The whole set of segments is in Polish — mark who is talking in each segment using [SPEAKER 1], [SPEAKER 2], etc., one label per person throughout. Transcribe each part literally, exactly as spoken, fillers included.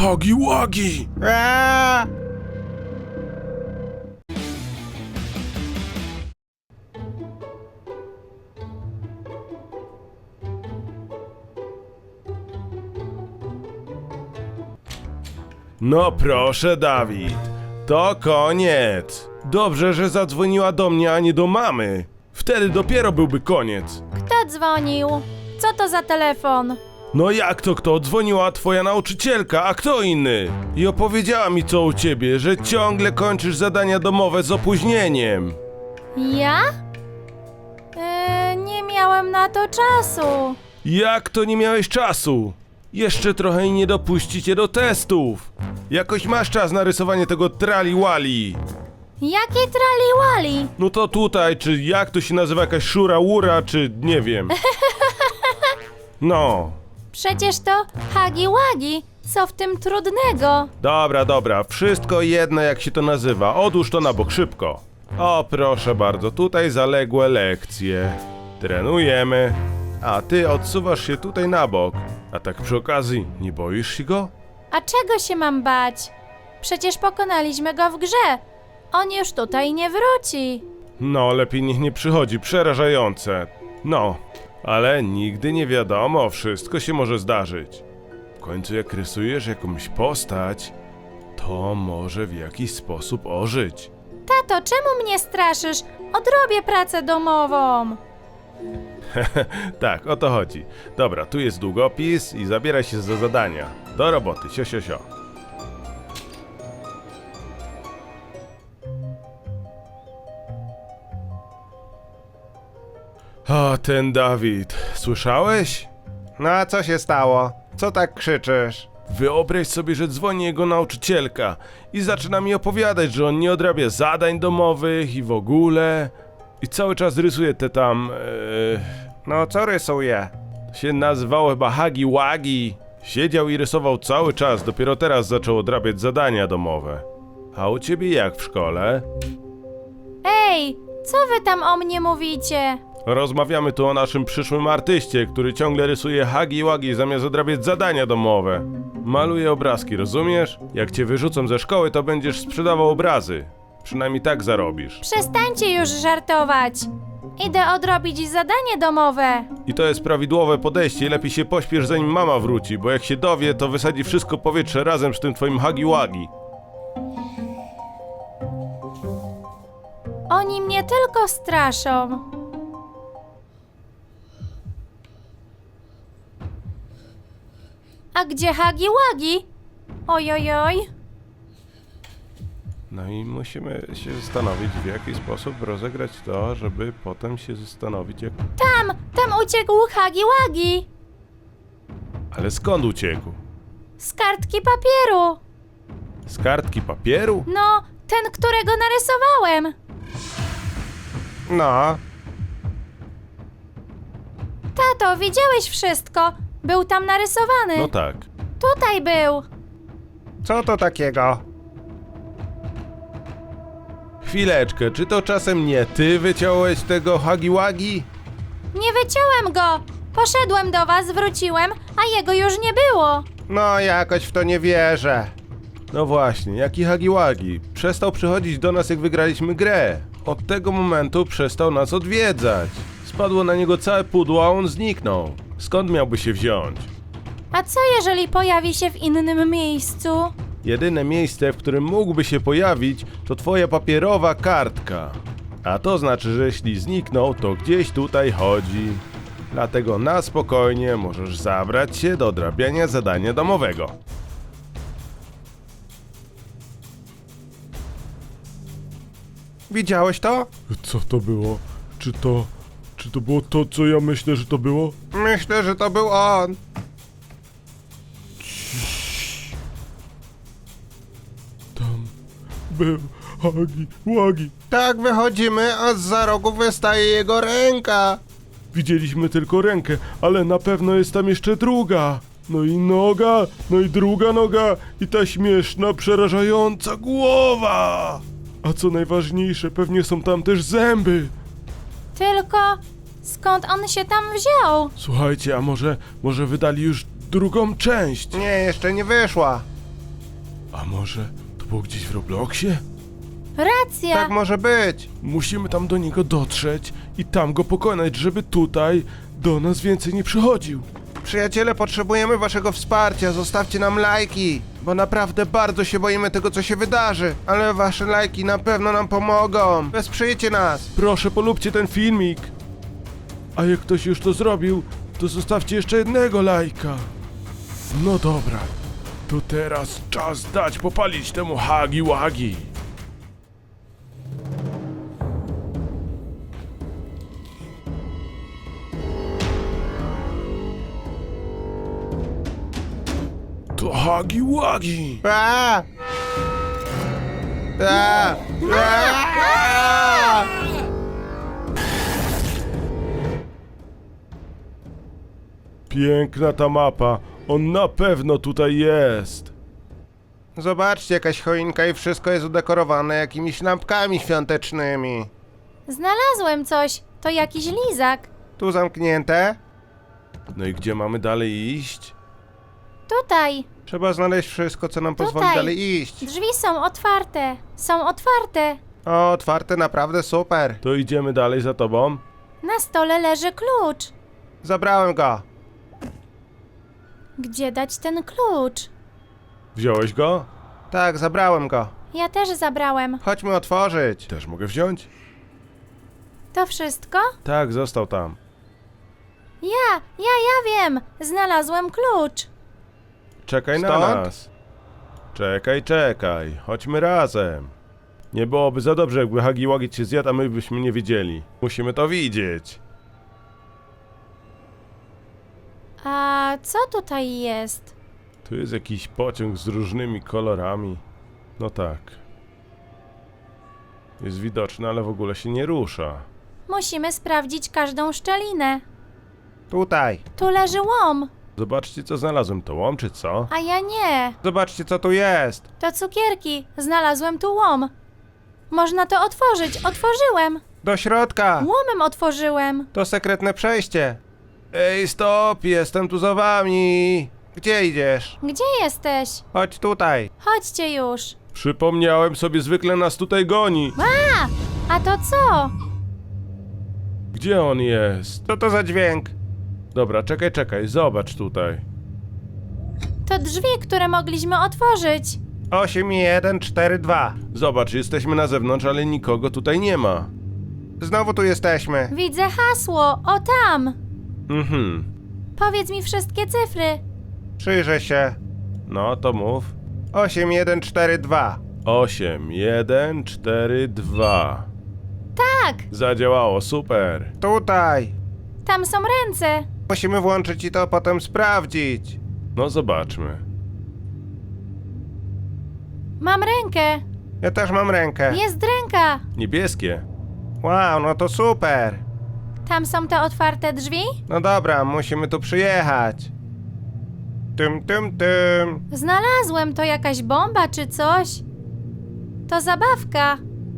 [SPEAKER 1] Hagi Wagi!
[SPEAKER 2] Eee!
[SPEAKER 1] No proszę, Dawid, to koniec. Dobrze, że zadzwoniła do mnie, a nie do mamy. Wtedy dopiero byłby koniec.
[SPEAKER 3] Kto dzwonił? Co to za telefon?
[SPEAKER 1] No jak to kto? Dzwoniła twoja nauczycielka, a kto inny? I opowiedziała mi co u ciebie, że ciągle kończysz zadania domowe z opóźnieniem.
[SPEAKER 3] Ja? Eee, nie miałem na to czasu.
[SPEAKER 1] Jak to nie miałeś czasu? Jeszcze trochę i nie dopuści cię do testów. Jakoś masz czas na rysowanie tego trali-wali.
[SPEAKER 3] Jakie trali-wali?
[SPEAKER 1] No to tutaj, czy jak to się nazywa, jakaś szura-łura, czy nie wiem. No.
[SPEAKER 3] Przecież to hagi-wagi. Co w tym trudnego?
[SPEAKER 1] Dobra, dobra, wszystko jedno jak się to nazywa. Odłóż to na bok, szybko. O, proszę bardzo, tutaj zaległe lekcje. Trenujemy. A ty odsuwasz się tutaj na bok. A tak przy okazji, nie boisz się go?
[SPEAKER 3] A czego się mam bać? Przecież pokonaliśmy go w grze. On już tutaj nie wróci.
[SPEAKER 1] No, lepiej niech nie przychodzi, przerażające. No, ale nigdy nie wiadomo, wszystko się może zdarzyć. W końcu jak rysujesz jakąś postać, to może w jakiś sposób ożyć.
[SPEAKER 3] Tato, czemu mnie straszysz? Odrobię pracę domową.
[SPEAKER 1] Tak, o to chodzi. Dobra, tu jest długopis i zabieraj się za zadania. Do roboty, sio, sio, sio. O, ten Dawid. Słyszałeś?
[SPEAKER 2] No a co się stało? Co tak krzyczysz?
[SPEAKER 1] Wyobraź sobie, że dzwoni jego nauczycielka i zaczyna mi opowiadać, że on nie odrabia zadań domowych i w ogóle. I cały czas rysuje te tam... Ee,
[SPEAKER 2] No co rysuje?
[SPEAKER 1] to się nazywało chyba Hagi Wagi. Siedział i rysował cały czas, dopiero teraz zaczął odrabiać zadania domowe. A u ciebie jak w szkole?
[SPEAKER 3] Ej, co wy tam o mnie mówicie?
[SPEAKER 1] Rozmawiamy tu o naszym przyszłym artyście, który ciągle rysuje Hagi Wagi zamiast odrabiać zadania domowe. Maluje obrazki, rozumiesz? Jak cię wyrzucą ze szkoły, to będziesz sprzedawał obrazy. Przynajmniej tak zarobisz.
[SPEAKER 3] Przestańcie już żartować. Idę odrobić zadanie domowe.
[SPEAKER 1] I to jest prawidłowe podejście i lepiej się pośpiesz zanim mama wróci, bo jak się dowie, to wysadzi wszystko powietrze razem z tym twoim Hagi Wagi.
[SPEAKER 3] Oni mnie tylko straszą. A gdzie Hagi Wagi? Ojojoj.
[SPEAKER 1] No i musimy się zastanowić, w jaki sposób rozegrać to, żeby potem się zastanowić, jak...
[SPEAKER 3] Tam, tam uciekł Hagi Wagi.
[SPEAKER 1] Ale skąd uciekł?
[SPEAKER 3] Z kartki papieru.
[SPEAKER 1] Z kartki papieru?
[SPEAKER 3] No, ten, którego narysowałem.
[SPEAKER 2] No,
[SPEAKER 3] Tato, widziałeś wszystko. Był tam narysowany.
[SPEAKER 1] No tak.
[SPEAKER 3] Tutaj był.
[SPEAKER 2] co to takiego?
[SPEAKER 1] Chwileczkę, czy to czasem nie ty wyciąłeś tego Hagi Wagi?
[SPEAKER 3] Nie wyciąłem go. Poszedłem do was, wróciłem, a jego już nie było.
[SPEAKER 2] No jakoś w to nie wierzę.
[SPEAKER 1] No właśnie, jaki Hagi Wagi? Przestał przychodzić do nas, jak wygraliśmy grę. Od tego momentu przestał nas odwiedzać. Spadło na niego całe pudło, a on zniknął. Skąd miałby się wziąć?
[SPEAKER 3] A co jeżeli pojawi się w innym miejscu?
[SPEAKER 1] Jedyne miejsce, w którym mógłby się pojawić, to twoja papierowa kartka. A to znaczy, że jeśli zniknął, to gdzieś tutaj chodzi. Dlatego na spokojnie możesz zabrać się do odrabiania zadania domowego.
[SPEAKER 2] Widziałeś to?
[SPEAKER 1] Co to było? Czy to... Czy to było to, co ja myślę, że to było?
[SPEAKER 2] Myślę, że to był on.
[SPEAKER 1] Tam był Hagi Wagi.
[SPEAKER 2] Tak wychodzimy, a zza rogu wystaje jego ręka.
[SPEAKER 1] Widzieliśmy tylko rękę, ale na pewno jest tam jeszcze druga. No i noga, no i druga noga i ta śmieszna, przerażająca głowa. A co najważniejsze, pewnie są tam też zęby.
[SPEAKER 3] Tylko skąd on się tam wziął?
[SPEAKER 1] Słuchajcie, a może, może wydali już drugą część?
[SPEAKER 2] Nie, jeszcze nie wyszła.
[SPEAKER 1] A może to było gdzieś w Robloxie?
[SPEAKER 3] Racja!
[SPEAKER 2] Tak może być.
[SPEAKER 1] Musimy tam do niego dotrzeć i tam go pokonać, żeby tutaj do nas więcej nie przychodził.
[SPEAKER 2] Przyjaciele, potrzebujemy waszego wsparcia. Zostawcie nam lajki, bo naprawdę bardzo się boimy tego, co się wydarzy. Ale wasze lajki na pewno nam pomogą. Wesprzyjcie nas.
[SPEAKER 1] Proszę, polubcie ten filmik. A jak ktoś już to zrobił, to zostawcie jeszcze jednego lajka. No dobra, to teraz czas dać popalić temu Hagi Wagi. To Hagi Wagi.
[SPEAKER 2] A! A! A!
[SPEAKER 1] Piękna ta mapa, on na pewno tutaj jest.
[SPEAKER 2] Zobaczcie, jakaś choinka i wszystko jest udekorowane jakimiś lampkami świątecznymi.
[SPEAKER 3] Znalazłem coś. To jakiś lizak.
[SPEAKER 2] Tu zamknięte.
[SPEAKER 1] No i gdzie mamy dalej iść?
[SPEAKER 3] Tutaj.
[SPEAKER 2] Trzeba znaleźć wszystko, co nam pozwoli
[SPEAKER 3] Tutaj.
[SPEAKER 2] dalej iść.
[SPEAKER 3] Drzwi są otwarte. Są otwarte.
[SPEAKER 2] O, otwarte, naprawdę super.
[SPEAKER 1] To idziemy dalej za tobą?
[SPEAKER 3] Na stole leży klucz.
[SPEAKER 2] Zabrałem go.
[SPEAKER 3] Gdzie dać ten klucz?
[SPEAKER 1] Wziąłeś go?
[SPEAKER 2] Tak, zabrałem go.
[SPEAKER 3] Ja też zabrałem.
[SPEAKER 2] Chodźmy otworzyć.
[SPEAKER 1] Też mogę wziąć?
[SPEAKER 3] To wszystko?
[SPEAKER 1] Tak, został tam.
[SPEAKER 3] Ja, ja, ja wiem. Znalazłem klucz.
[SPEAKER 1] Czekaj na
[SPEAKER 2] Stąd?
[SPEAKER 1] nas. Czekaj, czekaj. Chodźmy razem. Nie byłoby za dobrze, jakby Hagi Wagi cię zjadł, a my byśmy nie wiedzieli. Musimy to widzieć.
[SPEAKER 3] A co tutaj jest?
[SPEAKER 1] Tu jest jakiś pociąg z różnymi kolorami. No tak. Jest widoczny, ale w ogóle się nie rusza.
[SPEAKER 3] Musimy sprawdzić każdą szczelinę.
[SPEAKER 2] Tutaj.
[SPEAKER 3] Tu leży łom,
[SPEAKER 1] Zobaczcie, co znalazłem. To łom, czy co?
[SPEAKER 3] a ja nie.
[SPEAKER 2] Zobaczcie, co tu jest.
[SPEAKER 3] To cukierki. Znalazłem tu łom. Można to otworzyć. Otworzyłem.
[SPEAKER 2] Do środka.
[SPEAKER 3] Łomem otworzyłem.
[SPEAKER 2] To sekretne przejście.
[SPEAKER 1] Ej, stop! Jestem tu za wami!
[SPEAKER 2] Gdzie idziesz?
[SPEAKER 3] Gdzie jesteś?
[SPEAKER 2] Chodź tutaj.
[SPEAKER 3] Chodźcie już.
[SPEAKER 1] Przypomniałem sobie, zwykle nas tutaj goni.
[SPEAKER 3] A! A to co?
[SPEAKER 1] Gdzie on jest?
[SPEAKER 2] Co to za dźwięk?
[SPEAKER 1] Dobra, czekaj, czekaj, zobacz tutaj.
[SPEAKER 3] To drzwi, które mogliśmy otworzyć.
[SPEAKER 2] osiem jeden cztery dwa.
[SPEAKER 1] Zobacz, jesteśmy na zewnątrz, ale nikogo tutaj nie ma.
[SPEAKER 2] Znowu tu jesteśmy.
[SPEAKER 3] Widzę hasło. O tam.
[SPEAKER 1] Mhm.
[SPEAKER 3] Powiedz mi wszystkie cyfry.
[SPEAKER 2] Przyjrzę się.
[SPEAKER 1] No, to mów.
[SPEAKER 2] osiem jeden cztery dwa.
[SPEAKER 1] osiem, jeden, cztery, dwa.
[SPEAKER 3] Tak.
[SPEAKER 1] Zadziałało, super.
[SPEAKER 2] Tutaj.
[SPEAKER 3] Tam są ręce.
[SPEAKER 2] Musimy włączyć i to potem sprawdzić.
[SPEAKER 1] No, zobaczmy.
[SPEAKER 3] Mam rękę.
[SPEAKER 2] Ja też mam rękę.
[SPEAKER 3] Jest ręka.
[SPEAKER 1] Niebieskie.
[SPEAKER 2] Wow, no to super.
[SPEAKER 3] Tam są te otwarte drzwi?
[SPEAKER 2] No dobra, musimy tu przyjechać. Tym, tym, tym.
[SPEAKER 3] Znalazłem. To jakaś bomba czy coś? To zabawka.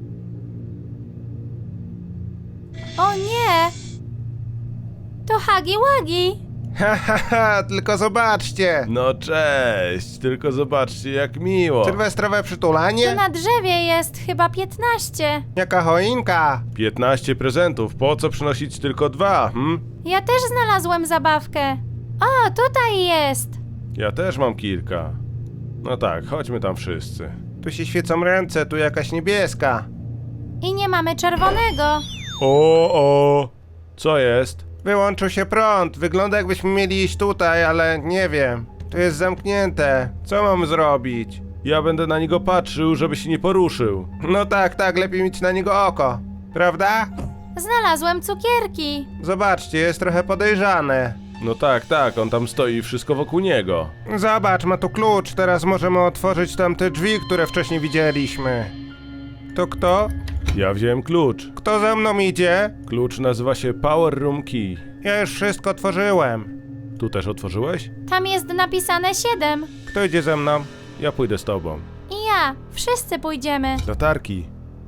[SPEAKER 3] O nie! To Hagi Wagi.
[SPEAKER 2] Ha, ha, ha, tylko zobaczcie.
[SPEAKER 1] No cześć, tylko zobaczcie jak miło.
[SPEAKER 2] Sylwestrowe
[SPEAKER 3] Tu
[SPEAKER 2] przytulanie?
[SPEAKER 3] na drzewie jest chyba piętnaście.
[SPEAKER 2] Jaka choinka?
[SPEAKER 1] piętnaście prezentów, po co przynosić tylko dwa, hm?
[SPEAKER 3] Ja też znalazłem zabawkę. O, tutaj jest.
[SPEAKER 1] Ja też mam kilka. No tak, chodźmy tam wszyscy.
[SPEAKER 2] Tu się świecą ręce, tu jakaś niebieska.
[SPEAKER 3] I nie mamy czerwonego.
[SPEAKER 1] O, o, co jest?
[SPEAKER 2] Wyłączył się prąd. Wygląda jakbyśmy mieli iść tutaj, ale nie wiem. Tu jest zamknięte. Co mam zrobić?
[SPEAKER 1] Ja będę na niego patrzył, żeby się nie poruszył.
[SPEAKER 2] No tak, tak, lepiej mieć na niego oko. Prawda?
[SPEAKER 3] Znalazłem cukierki.
[SPEAKER 2] Zobaczcie, jest trochę podejrzane.
[SPEAKER 1] No tak, tak, on tam stoi i wszystko wokół niego.
[SPEAKER 2] Zobacz, ma tu klucz. Teraz możemy otworzyć tamte drzwi, które wcześniej widzieliśmy. To kto?
[SPEAKER 1] Ja wziąłem klucz.
[SPEAKER 2] Kto za mną idzie?
[SPEAKER 1] Klucz nazywa się Power Room Key.
[SPEAKER 2] Ja już wszystko otworzyłem.
[SPEAKER 1] Tu też otworzyłeś?
[SPEAKER 3] Tam jest napisane siedem.
[SPEAKER 2] Kto idzie ze mną?
[SPEAKER 1] Ja pójdę z tobą.
[SPEAKER 3] I ja. Wszyscy pójdziemy.
[SPEAKER 1] Latarki.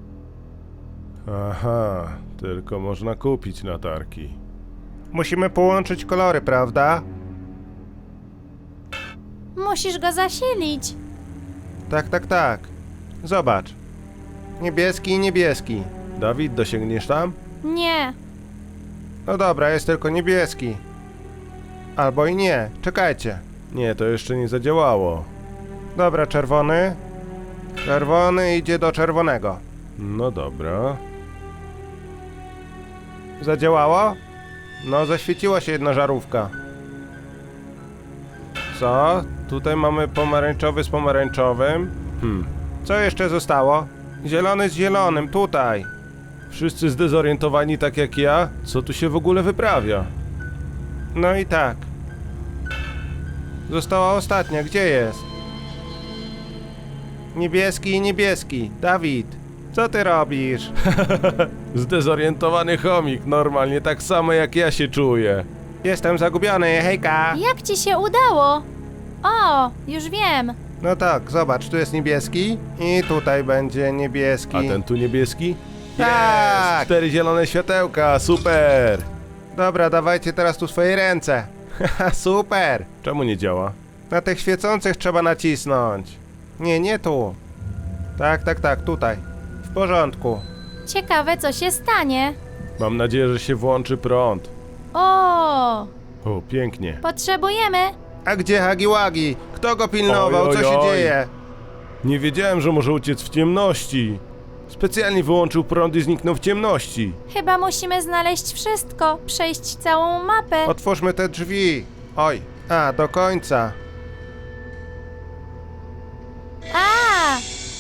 [SPEAKER 1] Aha, tylko można kupić latarki.
[SPEAKER 2] Musimy połączyć kolory, prawda?
[SPEAKER 3] Musisz go zasilić.
[SPEAKER 2] Tak, tak, tak. Zobacz. Niebieski i niebieski.
[SPEAKER 1] Dawid, dosięgniesz tam?
[SPEAKER 3] Nie.
[SPEAKER 2] No dobra, jest tylko niebieski. Albo i nie. Czekajcie.
[SPEAKER 1] Nie, to jeszcze nie zadziałało.
[SPEAKER 2] Dobra, czerwony. Czerwony idzie do czerwonego.
[SPEAKER 1] No dobra.
[SPEAKER 2] Zadziałało? No, zaświeciła się jedna żarówka. Co? Tutaj mamy pomarańczowy z pomarańczowym.
[SPEAKER 1] Hmm.
[SPEAKER 2] Co jeszcze zostało? Zielony z zielonym, tutaj.
[SPEAKER 1] Wszyscy zdezorientowani tak jak ja? Co tu się w ogóle wyprawia?
[SPEAKER 2] No i tak. Została ostatnia, gdzie jest? Niebieski i niebieski. Dawid, co ty robisz?
[SPEAKER 1] Zdezorientowany chomik, normalnie tak samo jak ja się czuję.
[SPEAKER 2] Jestem zagubiony, hejka!
[SPEAKER 3] Jak ci się udało? O, już wiem.
[SPEAKER 2] No tak, zobacz, tu jest niebieski i tutaj będzie niebieski.
[SPEAKER 1] A ten tu niebieski?
[SPEAKER 2] Tak!
[SPEAKER 1] Jest! Cztery zielone światełka, super!
[SPEAKER 2] Dobra, dawajcie teraz tu swoje ręce. Haha, super!
[SPEAKER 1] Czemu nie działa?
[SPEAKER 2] Na tych świecących trzeba nacisnąć. Nie, nie tu. Tak, tak, tak, tutaj. W porządku.
[SPEAKER 3] Ciekawe, co się stanie.
[SPEAKER 1] Mam nadzieję, że się włączy prąd.
[SPEAKER 3] O,
[SPEAKER 1] O, pięknie.
[SPEAKER 3] potrzebujemy.
[SPEAKER 2] A gdzie Hagiwagi? Kto go pilnował?
[SPEAKER 1] Oj,
[SPEAKER 2] Co
[SPEAKER 1] oj,
[SPEAKER 2] się
[SPEAKER 1] oj.
[SPEAKER 2] dzieje?
[SPEAKER 1] Nie wiedziałem, że może uciec w ciemności. Specjalnie wyłączył prąd i zniknął w ciemności.
[SPEAKER 3] Chyba musimy znaleźć wszystko, przejść całą mapę.
[SPEAKER 2] Otwórzmy te drzwi. Oj, a, do końca.
[SPEAKER 3] A,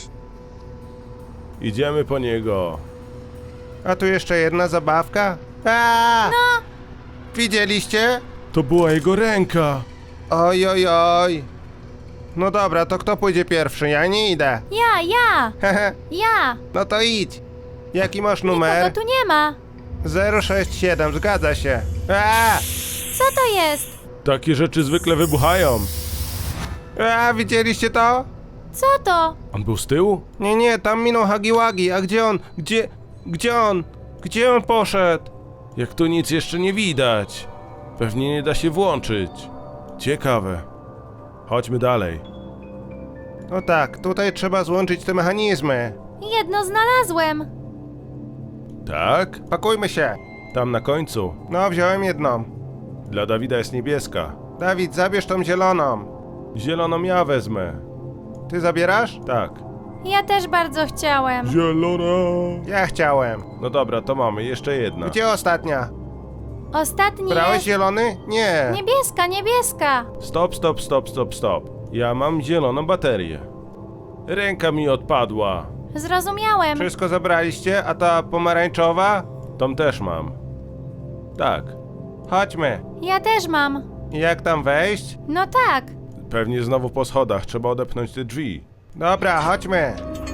[SPEAKER 1] Idziemy po niego.
[SPEAKER 2] A tu jeszcze jedna zabawka? A!
[SPEAKER 3] no,
[SPEAKER 2] Widzieliście?
[SPEAKER 1] To była jego ręka.
[SPEAKER 2] Oj, oj, oj. No dobra, to kto pójdzie pierwszy? Ja nie idę.
[SPEAKER 3] ja, ja,
[SPEAKER 2] Hehe,
[SPEAKER 3] ja.
[SPEAKER 2] no to idź. Jaki masz numer?
[SPEAKER 3] Nikogo tu nie ma.
[SPEAKER 2] zero sześć siedem, zgadza się. A!
[SPEAKER 3] Co to jest?
[SPEAKER 1] Takie rzeczy zwykle wybuchają.
[SPEAKER 2] A, widzieliście to?
[SPEAKER 3] Co to?
[SPEAKER 1] On był z tyłu?
[SPEAKER 2] Nie, nie, tam minął Hagiwagi. A gdzie on? Gdzie? Gdzie on? Gdzie on poszedł?
[SPEAKER 1] Jak tu nic jeszcze nie widać. Pewnie nie da się włączyć. Ciekawe. Chodźmy dalej.
[SPEAKER 2] No tak, tutaj trzeba złączyć te mechanizmy.
[SPEAKER 3] Jedno znalazłem.
[SPEAKER 1] Tak?
[SPEAKER 2] Pakujmy się.
[SPEAKER 1] Tam na końcu.
[SPEAKER 2] No, wziąłem jedną.
[SPEAKER 1] Dla Dawida jest niebieska.
[SPEAKER 2] Dawid, zabierz tą zieloną.
[SPEAKER 1] Zieloną ja wezmę.
[SPEAKER 2] Ty zabierasz?
[SPEAKER 1] Tak.
[SPEAKER 3] Ja też bardzo chciałem.
[SPEAKER 1] Zielona.
[SPEAKER 2] Ja chciałem.
[SPEAKER 1] No dobra, to mamy. Jeszcze jedna.
[SPEAKER 2] Gdzie ostatnia?
[SPEAKER 3] Ostatni
[SPEAKER 2] Brałeś
[SPEAKER 3] jest...
[SPEAKER 2] zielony? Nie.
[SPEAKER 3] Niebieska, niebieska.
[SPEAKER 1] Stop, stop, stop, stop, stop. Ja mam zieloną baterię. Ręka mi odpadła.
[SPEAKER 3] Zrozumiałem.
[SPEAKER 2] Wszystko zabraliście, a ta pomarańczowa?
[SPEAKER 1] Tą też mam. Tak.
[SPEAKER 2] Chodźmy.
[SPEAKER 3] Ja też mam.
[SPEAKER 2] Jak tam wejść?
[SPEAKER 3] No tak.
[SPEAKER 1] Pewnie znowu po schodach. Trzeba odepchnąć te drzwi.
[SPEAKER 2] Dobra, chodźmy.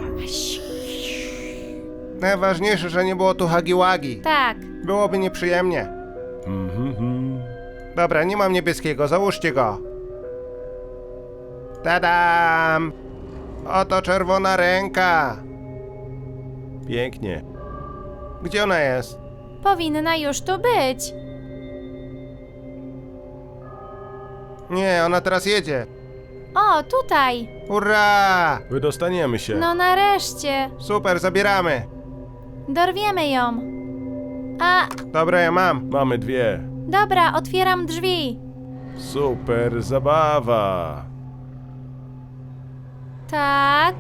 [SPEAKER 2] Najważniejsze, że nie było tu Hagiwagi.
[SPEAKER 3] Tak.
[SPEAKER 2] Byłoby nieprzyjemnie.
[SPEAKER 1] Mhm.
[SPEAKER 2] Dobra, nie mam niebieskiego, załóżcie go. Tadam! Oto czerwona ręka.
[SPEAKER 1] Pięknie.
[SPEAKER 2] Gdzie ona jest?
[SPEAKER 3] Powinna już tu być.
[SPEAKER 2] Nie, ona teraz jedzie.
[SPEAKER 3] O, tutaj.
[SPEAKER 2] Hurra!
[SPEAKER 1] Wydostaniemy się.
[SPEAKER 3] No nareszcie.
[SPEAKER 2] Super, zabieramy.
[SPEAKER 3] Dorwiemy ją. A,
[SPEAKER 2] Dobra, ja mam.
[SPEAKER 1] Mamy dwie.
[SPEAKER 3] dobra, otwieram drzwi.
[SPEAKER 1] Super zabawa.
[SPEAKER 3] Tak.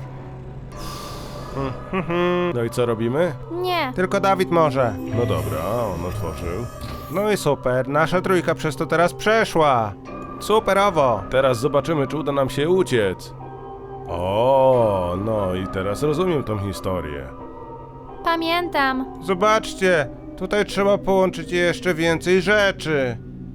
[SPEAKER 1] No i co robimy?
[SPEAKER 3] Nie.
[SPEAKER 2] Tylko Dawid może.
[SPEAKER 1] No dobra, on otworzył.
[SPEAKER 2] No i super, nasza trójka przez to teraz przeszła. Superowo.
[SPEAKER 1] Teraz zobaczymy, czy uda nam się uciec. O, no i teraz rozumiem tą historię.
[SPEAKER 3] Pamiętam.
[SPEAKER 2] Zobaczcie, tutaj trzeba połączyć jeszcze więcej rzeczy.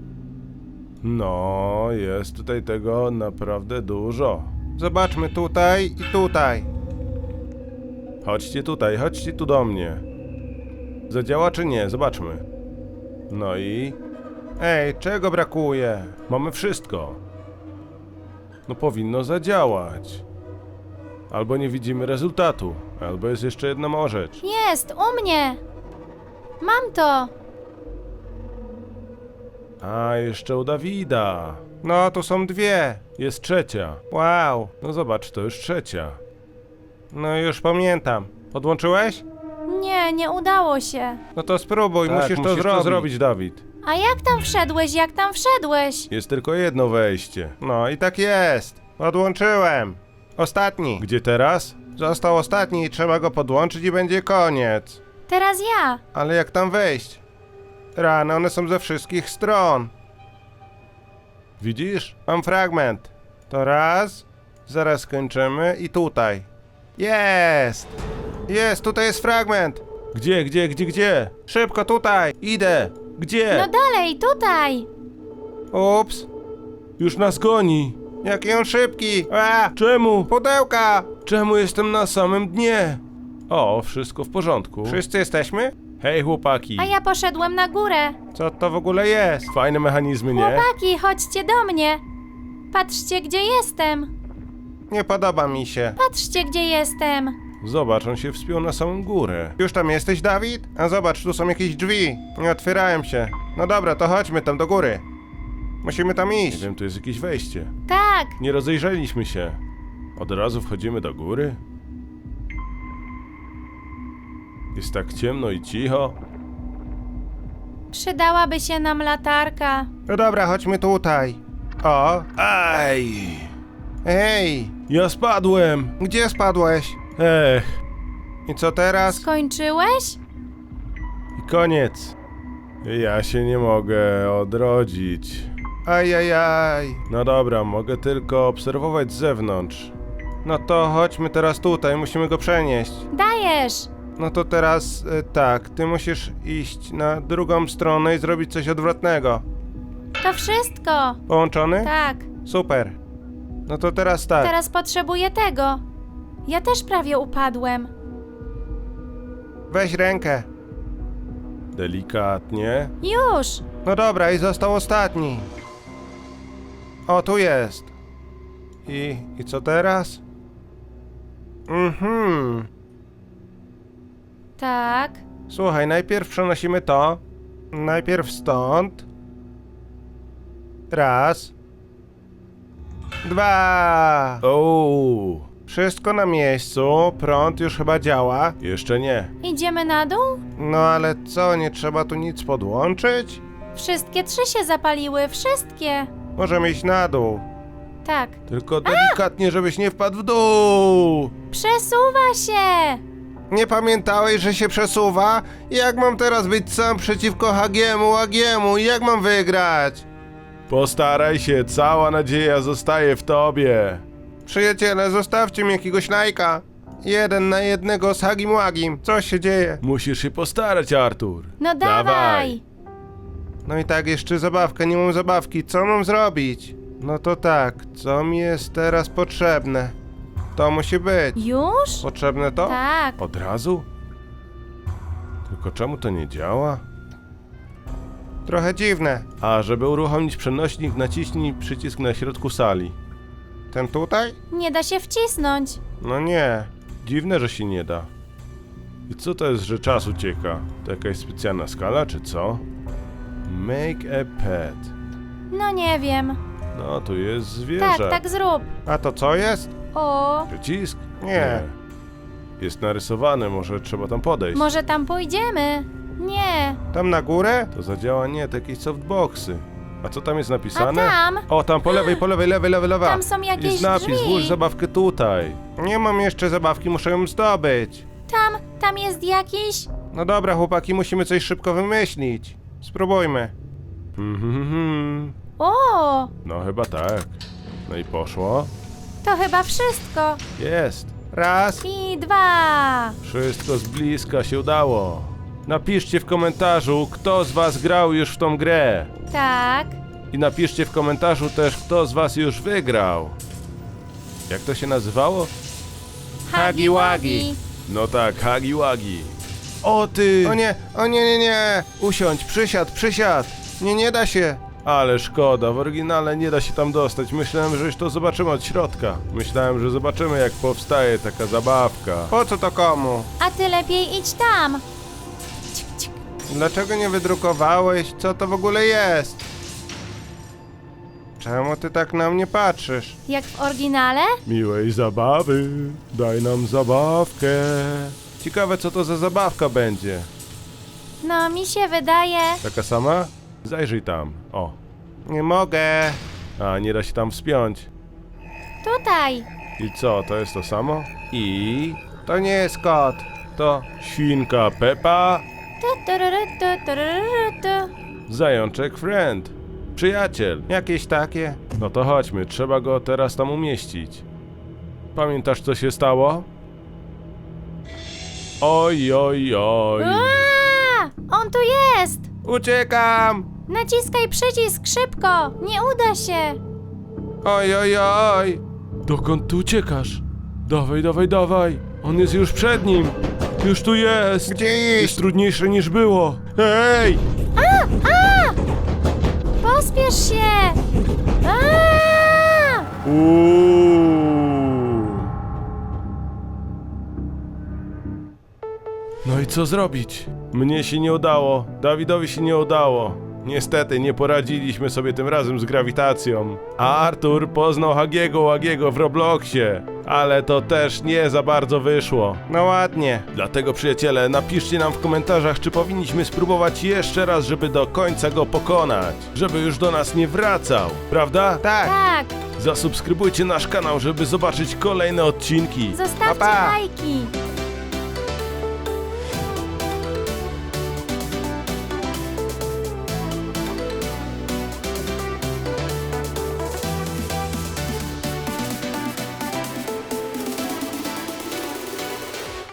[SPEAKER 1] No, jest tutaj tego naprawdę dużo.
[SPEAKER 2] Zobaczmy tutaj i tutaj.
[SPEAKER 1] Chodźcie tutaj, chodźcie tu do mnie. Zadziała czy nie? Zobaczmy. No i
[SPEAKER 2] Ej, czego brakuje?
[SPEAKER 1] mamy wszystko. No powinno zadziałać. Albo nie widzimy rezultatu, albo jest jeszcze jedna mała rzecz.
[SPEAKER 3] Jest, u mnie. Mam to.
[SPEAKER 1] A, jeszcze u Dawida.
[SPEAKER 2] No, tu są dwie.
[SPEAKER 1] Jest trzecia.
[SPEAKER 2] Wow.
[SPEAKER 1] No zobacz, to już trzecia.
[SPEAKER 2] No już pamiętam. Podłączyłeś?
[SPEAKER 3] Nie, nie udało się.
[SPEAKER 2] No to spróbuj,
[SPEAKER 1] Tak,
[SPEAKER 2] musisz, to, zrobić.
[SPEAKER 1] zrobić, Dawid.
[SPEAKER 3] A jak tam wszedłeś, jak tam wszedłeś?
[SPEAKER 1] Jest tylko jedno wejście.
[SPEAKER 2] No i tak jest. Podłączyłem. Ostatni.
[SPEAKER 1] Gdzie teraz?
[SPEAKER 2] Został ostatni i trzeba go podłączyć i będzie koniec.
[SPEAKER 3] Teraz ja.
[SPEAKER 2] Ale jak tam wejść? Rany, one są ze wszystkich stron.
[SPEAKER 1] Widzisz?
[SPEAKER 2] Mam fragment. To raz. Zaraz skończymy i tutaj. Jest! Jest, tutaj jest fragment.
[SPEAKER 1] Gdzie, gdzie, gdzie, gdzie?
[SPEAKER 2] Szybko tutaj. Idę.
[SPEAKER 1] Gdzie?
[SPEAKER 3] No dalej, tutaj.
[SPEAKER 2] Ups.
[SPEAKER 1] Już nas goni.
[SPEAKER 2] Jaki on szybki. A!
[SPEAKER 1] Czemu?
[SPEAKER 2] Pudełka!
[SPEAKER 1] Czemu jestem na samym dnie? O, wszystko w porządku.
[SPEAKER 2] Wszyscy jesteśmy?
[SPEAKER 1] Hej chłopaki.
[SPEAKER 3] A ja poszedłem na górę.
[SPEAKER 2] Co to w ogóle jest?
[SPEAKER 1] Fajne mechanizmy, nie?
[SPEAKER 3] Chłopaki, chodźcie do mnie. Patrzcie, gdzie jestem.
[SPEAKER 2] Nie podoba mi się.
[SPEAKER 3] Patrzcie, gdzie jestem.
[SPEAKER 1] Zobacz, on się wspiął na samą górę.
[SPEAKER 2] Już tam jesteś, Dawid? A zobacz, tu są jakieś drzwi. Nie otwierają się. No dobra, to chodźmy tam do góry. Musimy tam
[SPEAKER 1] Nie
[SPEAKER 2] iść.
[SPEAKER 1] wiem, tu jest jakieś wejście.
[SPEAKER 3] Tak,
[SPEAKER 1] Nie rozejrzeliśmy się. Od razu wchodzimy do góry? Jest tak ciemno i cicho.
[SPEAKER 3] przydałaby się nam latarka.
[SPEAKER 2] No dobra, chodźmy tutaj. O,
[SPEAKER 1] Aj!
[SPEAKER 2] hej!
[SPEAKER 1] Ja spadłem!
[SPEAKER 2] Gdzie spadłeś?
[SPEAKER 1] Ech,
[SPEAKER 2] I co teraz?
[SPEAKER 3] Skończyłeś?
[SPEAKER 1] i koniec. Ja się nie mogę odrodzić.
[SPEAKER 2] Ajajaj.
[SPEAKER 1] No dobra, mogę tylko obserwować z zewnątrz.
[SPEAKER 2] No to chodźmy teraz tutaj, musimy go przenieść.
[SPEAKER 3] Dajesz.
[SPEAKER 2] No to teraz y, tak, ty musisz iść na drugą stronę i zrobić coś odwrotnego.
[SPEAKER 3] To wszystko.
[SPEAKER 2] Połączony?
[SPEAKER 3] Tak,
[SPEAKER 2] Super. No to teraz tak.
[SPEAKER 3] teraz potrzebuję tego. Ja też prawie upadłem.
[SPEAKER 2] Weź rękę.
[SPEAKER 1] Delikatnie.
[SPEAKER 3] Już.
[SPEAKER 2] No dobra, i został ostatni. O, tu jest. I, i co teraz? Mhm.
[SPEAKER 3] Tak.
[SPEAKER 2] Słuchaj, najpierw przenosimy to. Najpierw stąd. Raz. Dwa.
[SPEAKER 1] O,
[SPEAKER 2] Wszystko na miejscu. Prąd już chyba działa.
[SPEAKER 1] jeszcze nie.
[SPEAKER 3] Idziemy na dół?
[SPEAKER 2] No ale co, nie trzeba tu nic podłączyć?
[SPEAKER 3] Wszystkie trzy się zapaliły, wszystkie.
[SPEAKER 2] Możemy iść na dół.
[SPEAKER 3] Tak.
[SPEAKER 1] Tylko delikatnie, żebyś nie wpadł w dół.
[SPEAKER 3] Przesuwa się.
[SPEAKER 2] Nie pamiętałeś, że się przesuwa? Jak mam teraz być sam przeciwko Hagiemu, Hagiemu? Jak mam wygrać?
[SPEAKER 1] Postaraj się, cała nadzieja zostaje w tobie.
[SPEAKER 2] Przyjaciele, zostawcie mi jakiegoś lajka. Jeden na jednego z Hagim Łagim. Co się dzieje?
[SPEAKER 1] Musisz się postarać, Artur.
[SPEAKER 3] No dawaj.
[SPEAKER 2] No i tak, jeszcze zabawka, nie mam zabawki. Co mam zrobić? No to tak, co mi jest teraz potrzebne? To musi być.
[SPEAKER 3] Już?
[SPEAKER 2] Potrzebne to?
[SPEAKER 3] Tak.
[SPEAKER 1] Od razu? Tylko czemu to nie działa?
[SPEAKER 2] Trochę dziwne.
[SPEAKER 1] A, żeby uruchomić przenośnik, naciśnij przycisk na środku sali.
[SPEAKER 2] Ten tutaj?
[SPEAKER 3] Nie da się wcisnąć.
[SPEAKER 2] No nie.
[SPEAKER 1] Dziwne, że się nie da. I co to jest, że czas ucieka? To jakaś specjalna skala, czy co? Make a pet.
[SPEAKER 3] No nie wiem.
[SPEAKER 1] No, tu jest zwierzę.
[SPEAKER 3] Tak, tak zrób.
[SPEAKER 2] A to co jest?
[SPEAKER 3] O,
[SPEAKER 1] Przycisk?
[SPEAKER 2] Nie.
[SPEAKER 1] Jest narysowany, może trzeba tam podejść.
[SPEAKER 3] może tam pójdziemy? Nie.
[SPEAKER 2] Tam na górę?
[SPEAKER 1] To zadziała nie, to jakieś softboxy. A co tam jest
[SPEAKER 3] A
[SPEAKER 1] napisane?
[SPEAKER 3] tam?
[SPEAKER 1] O, tam po lewej, po lewej, lewej, lewej, lewa.
[SPEAKER 3] Tam są jakieś
[SPEAKER 1] Jest napis,
[SPEAKER 3] drzwi.
[SPEAKER 1] włóż zabawkę tutaj.
[SPEAKER 2] Nie mam jeszcze zabawki, muszę ją zdobyć.
[SPEAKER 3] Tam, tam jest jakiś...
[SPEAKER 2] No dobra, chłopaki, musimy coś szybko wymyślić. Spróbujmy.
[SPEAKER 1] Mhm.
[SPEAKER 3] O,
[SPEAKER 1] No chyba tak. No i poszło.
[SPEAKER 3] to chyba wszystko.
[SPEAKER 1] Jest.
[SPEAKER 2] Raz.
[SPEAKER 3] I dwa.
[SPEAKER 1] Wszystko z bliska się udało. Napiszcie w komentarzu, kto z was grał już w tą grę.
[SPEAKER 3] Tak.
[SPEAKER 1] I napiszcie w komentarzu też, kto z was już wygrał. Jak to się nazywało?
[SPEAKER 2] Hagi Wagi.
[SPEAKER 1] No tak, Hagi Wagi. O ty!
[SPEAKER 2] O nie, o nie, nie, nie. Usiądź, przysiad, przysiad. Nie, nie da się.
[SPEAKER 1] Ale szkoda, w oryginale nie da się tam dostać. Myślałem, że już to zobaczymy od środka. Myślałem, że zobaczymy, jak powstaje taka zabawka.
[SPEAKER 2] Po co to komu?
[SPEAKER 3] A ty lepiej idź tam. Cik, cik.
[SPEAKER 2] Dlaczego nie wydrukowałeś? Co to w ogóle jest? Czemu ty tak na mnie patrzysz?
[SPEAKER 3] Jak w oryginale?
[SPEAKER 1] Miłej zabawy, daj nam zabawkę. Ciekawe, co to za zabawka będzie.
[SPEAKER 3] No, mi się wydaje...
[SPEAKER 1] Taka sama? Zajrzyj tam. O.
[SPEAKER 2] Nie mogę.
[SPEAKER 1] A, nie da się tam wspiąć.
[SPEAKER 3] Tutaj.
[SPEAKER 1] I co, to jest to samo? I...
[SPEAKER 2] To nie jest kot. To...
[SPEAKER 1] Świnka Peppa,
[SPEAKER 3] Tu, tururu, tu, tururu, tu.
[SPEAKER 1] zajączek Friend. Przyjaciel.
[SPEAKER 2] jakieś takie.
[SPEAKER 1] No to chodźmy, trzeba go teraz tam umieścić. Pamiętasz, co się stało? Oj, oj, oj.
[SPEAKER 3] Ua! On tu jest!
[SPEAKER 2] Uciekam!
[SPEAKER 3] Naciskaj przycisk szybko! Nie uda się!
[SPEAKER 2] Oj, oj, oj!
[SPEAKER 1] Dokąd ty uciekasz? Dawaj, dawaj, dawaj. On jest już przed nim. Już tu jest.
[SPEAKER 2] Gdzie
[SPEAKER 1] Jest
[SPEAKER 2] iść?
[SPEAKER 1] trudniejsze niż było. Hej!
[SPEAKER 3] Pospiesz się! Aaaa!
[SPEAKER 1] Uuu. No i co zrobić? Mnie się nie udało, Dawidowi się nie udało. Niestety nie poradziliśmy sobie tym razem z grawitacją. A Artur poznał Hagiego Łagiego w Robloxie, ale to też nie za bardzo wyszło.
[SPEAKER 2] No ładnie.
[SPEAKER 1] Dlatego przyjaciele, napiszcie nam w komentarzach, czy powinniśmy spróbować jeszcze raz, żeby do końca go pokonać. Żeby już do nas nie wracał, prawda?
[SPEAKER 2] Tak.
[SPEAKER 3] Tak!
[SPEAKER 1] Zasubskrybujcie nasz kanał, żeby zobaczyć kolejne odcinki.
[SPEAKER 3] Zostawcie
[SPEAKER 2] Pa, pa.
[SPEAKER 3] lajki!